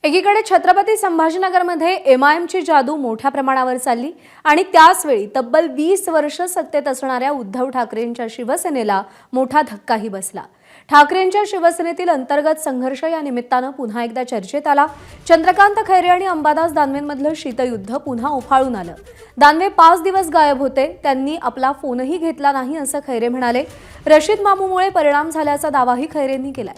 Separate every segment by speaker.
Speaker 1: एकीकडे छत्रपती संभाजीनगरमध्ये एमआयएमची जादू मोठ्या प्रमाणावर चालली आणि त्याचवेळी तब्बल 20 वर्ष सत्तेत असणाऱ्या उद्धव ठाकरेंच्या शिवसेनेला मोठा धक्काही बसला। ठाकरेंच्या शिवसेनेतील अंतर्गत संघर्ष या निमित्तानं पुन्हा एकदा चर्चेत आला। चंद्रकांत खैरे आणि अंबादास दानवेंमधलं शीतयुद्ध पुन्हा उफाळून आलं। दानवे 5 दिवस गायब होते, त्यांनी आपला फोनही घेतला नाही असं खैरे म्हणाले। रशीद मामूमुळे परिणाम झाल्याचा दावाही खैरेंनी केलाय।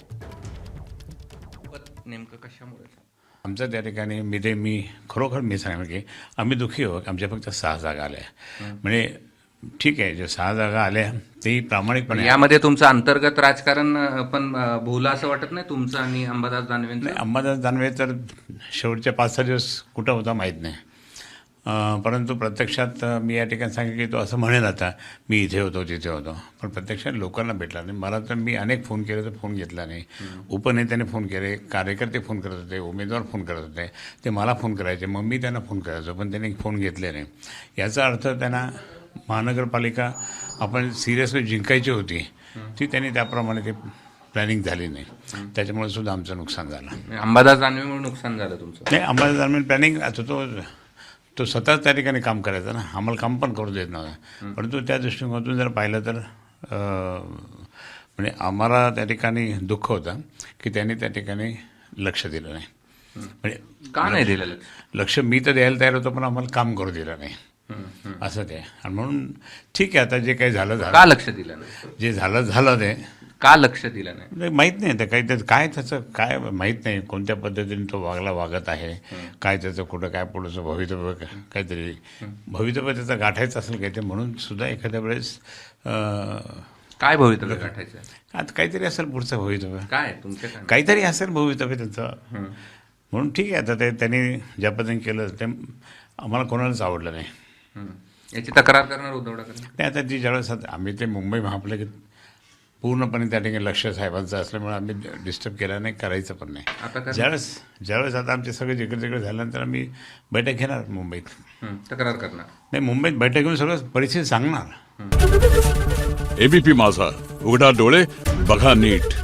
Speaker 2: नेमकं कशामुळे
Speaker 3: आमचं त्या ठिकाणी मी खरोखर मी सांगेन की आम्ही दुःखी आहोत। आमच्या फक्त 6 जागा आल्या, म्हणजे ठीक आहे, जे 6 जागा आल्या तेही प्रामाणिकपणे
Speaker 2: यामध्ये तुमचं अंतर्गत राजकारण पण भोवलं असं वाटत नाही तुमचं आणि अंबादास दानवेंचं?
Speaker 3: नाही, अंबादास दानवे तर शेवटच्या 5-6 दिवस कुठं होता माहीत नाही, परंतु प्रत्यक्षात मी या ठिकाणी सांगितलं की तो असं म्हणेल आता मी इथे होतो तिथे होतो, पण प्रत्यक्षात लोकांना भेटला नाही। मला तर मी अनेक फोन केले तर फोन घेतला नाही। उपनेत्याने फोन केले, कार्यकर्ते फोन करत होते, उमेदवार फोन करत होते, ते मला फोन करायचे, मग मी त्यांना फोन करायचो, पण त्यांनी फोन घेतले नाही। याचा अर्थ त्यांना महानगरपालिका आपण सिरियसली जिंकायची होती, ती त्यांनी त्याप्रमाणे ते प्लॅनिंग झाली नाही, त्याच्यामुळे सुद्धा आमचं नुकसान झालं।
Speaker 2: अंबादास दानवेमुळे नुकसान झालं तुमचं?
Speaker 3: नाही, अंबादास दानवे प्लॅनिंग आता तो स्वतः त्या ठिकाणी काम करायचा ना, आम्हाला काम पण करू देत नव्हता। परंतु त्या दृष्टिकोनातून जर पाहिलं तर म्हणजे आम्हाला त्या ठिकाणी दुःख होतं की त्यांनी त्या ठिकाणी लक्ष दिलं नाही। म्हणजे
Speaker 2: का नाही दिलं
Speaker 3: लक्ष? मी तर द्यायला तयार होतो, पण आम्हाला काम करू दिलं नाही, असं ते। आणि म्हणून ठीक आहे, आता जे काही झालं झालं।
Speaker 2: का लक्ष दिलं नाही?
Speaker 3: जे झालं ते
Speaker 2: का लक्ष दिलं नाही?
Speaker 3: माहीत नाही, तर काही काय त्याचं काय माहीत नाही, कोणत्या पद्धतीने तो वागत आहे, काय त्याचं कुठं काय पुढचं भवितव्य, काहीतरी भवितव्य त्याचं गाठायचं असेल काही ते, म्हणून सुद्धा एखाद्या वेळेस
Speaker 2: काय भवितव्य गाठायचं?
Speaker 3: आता काहीतरी असेल पुढचं भवितव्य,
Speaker 2: काय तुमच्या काय?
Speaker 3: काहीतरी असेल भवितव्य त्याचं, म्हणून ठीक आहे। आता ते त्यांनी ज्या पद्धतीने केलं ते आम्हाला कोणालाच आवडलं नाही।
Speaker 2: याची तक्रार करणार उद्धव ठाकरे?
Speaker 3: नाही, आता जी ज्यावेळेस आम्ही ते मुंबई महापालिकेत पूर्णपणे त्या ठिकाणी लक्ष साहेबांचं असल्यामुळे आम्ही डिस्टर्ब केला नाही, करायचं पण नाही। ज्यावेळेस आता आमचे सगळे जिकडे तिकडे झाल्यानंतर आम्ही बैठक घेणार मुंबईत,
Speaker 2: तक्रार करणार
Speaker 3: नाही, मुंबईत बैठक घेऊन सगळं परिस्थिती सांगणार।
Speaker 4: एबीपी माझा, उघडा डोळे बघा नीट।